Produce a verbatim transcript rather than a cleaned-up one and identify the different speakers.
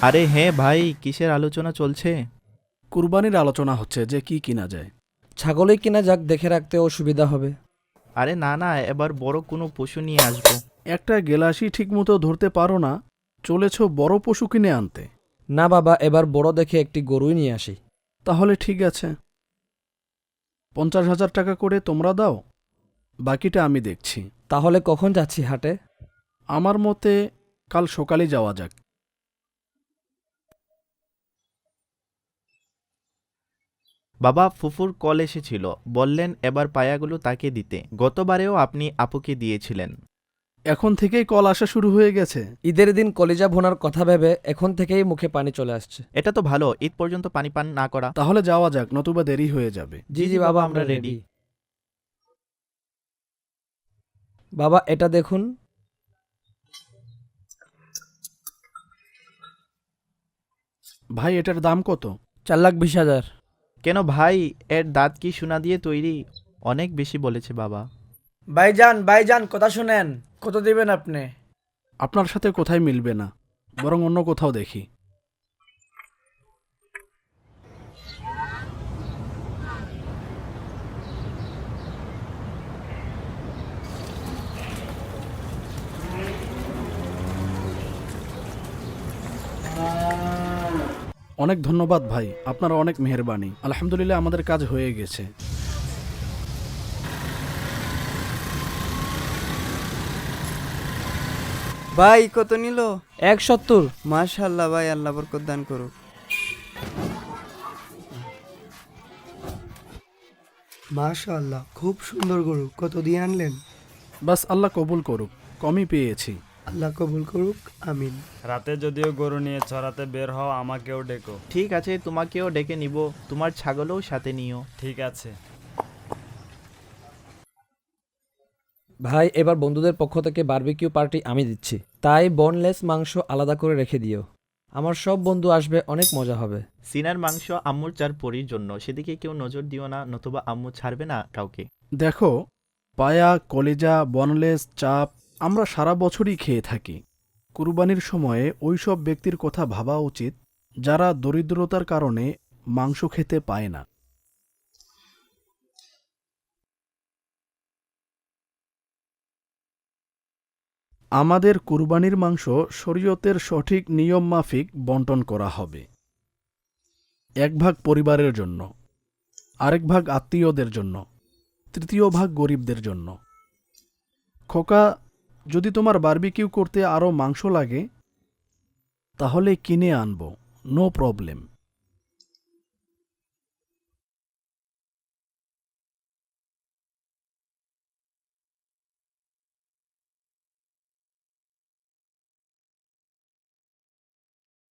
Speaker 1: আরে হ্যাঁ ভাই, কিসের আলোচনা চলছে?
Speaker 2: কুরবানির আলোচনা হচ্ছে যে কি কিনা যায়।
Speaker 3: ছাগলই কিনা যাক, দেখে রাখতেও সুবিধা হবে।
Speaker 1: আরে না না, এবার বড় কোনো পশু নিয়ে আসবো।
Speaker 2: একটা গেলাসই ঠিকমতো ধরতে পারো না, চলেছ বড় পশু কিনে আনতে।
Speaker 3: না বাবা, এবার বড় দেখে একটি গরুই নিয়ে আসি।
Speaker 2: তাহলে ঠিক আছে, পঞ্চাশ হাজার টাকা করে তোমরা দাও, বাকিটা আমি দেখছি।
Speaker 3: তাহলে কখন যাচ্ছি হাটে?
Speaker 2: আমার মতে কাল সকালে যাওয়া যাক।
Speaker 1: বাবা, ফুফুর কল এসেছিল, বললেন এবার পায়াগুলো তাকে দিতে। গতবারেও আপনি আপুকে দিয়েছিলেন।
Speaker 2: এখন থেকেই কল আসা শুরু হয়ে গেছে।
Speaker 3: ঈদের দিন কলিজা ভোনার কথা ভেবে এখন থেকেই মুখে পানি চলে আসছে।
Speaker 1: এটা তো ভালো, ঈদ পর্যন্ত পানি পান না করা।
Speaker 2: তাহলে যাওয়া যাক, নতুবা দেরি হয়ে যাবে।
Speaker 3: জি জি বাবা, আমরা রেডি। বাবা এটা দেখুন।
Speaker 2: ভাই, এটার দাম কত?
Speaker 3: চার লাখ বিশ হাজার।
Speaker 1: কেন ভাই, এর দাঁত কি সোনা দিয়ে তৈরি? অনেক বেশি বলেছে বাবা।
Speaker 4: ভাইজান ভাইজান কথা শুনেন, কত দিবেন আপনি?
Speaker 2: আপনার সাথে কোথায় মিলবে না, বরং অন্য কোথাও দেখি। অনেক ধন্যবাদ ভাই, আপনার অনেক মেহেরবানি। আলহামদুলিল্লাহ, আমাদের কাজ হয়ে গেছে।
Speaker 5: ভাই কত নিল?
Speaker 3: এক সত্তর।
Speaker 5: মাশাআল্লাহ ভাই, আল্লাহ বরকত দান করুক।
Speaker 6: মাশাআল্লাহ, খুব সুন্দর গরু। কত দিয়ে আনলেন?
Speaker 2: বাস আল্লাহ কবুল করুক, কমই পেয়েছি।
Speaker 6: আল্লাহ কবুল করুক, আমিন।
Speaker 7: রাতে যদিও গরু নিয়ে চড়াতে বের হও, আমাকেও ডেকো।
Speaker 1: ঠিক আছে, তোমাকেও ডেকে নিব, তোমার ছাগলও সাথে নিও।
Speaker 7: ঠিক আছে।
Speaker 3: ভাই এবার বন্ধুদের পক্ষ থেকে বারবিকিউ পার্টি আমি দিচ্ছি, তাই বোনলেস মাংস আলাদা করে রেখে দিও। আমার সব বন্ধু আসবে, অনেক মজা হবে।
Speaker 1: সিনার মাংস আম্মুর চার পরির জন্য, সেদিকে কেউ নজর দিও না, নতুবা আম্মু ছাড়বে না কাউকে।
Speaker 2: দেখো, পায়া, কলেজা, বনলেস, চাপ আমরা সারা বছরই খেয়ে থাকি। কুরবানির সময়ে ওই সব ব্যক্তির কথা ভাবা উচিত যারা দরিদ্রতার কারণে মাংস খেতে পায় না। আমাদের কুরবানির মাংস শরীয়তের সঠিক নিয়ম মাফিক বন্টন করা হবে। এক ভাগ পরিবারের জন্য, আরেক ভাগ আত্মীয়দের জন্য, তৃতীয় ভাগ গরিবদের জন্য। খোকা, যদি তোমার বারবিকিউ করতে আরও মাংস লাগে তাহলে কিনে আনবো, নো প্রবলেম।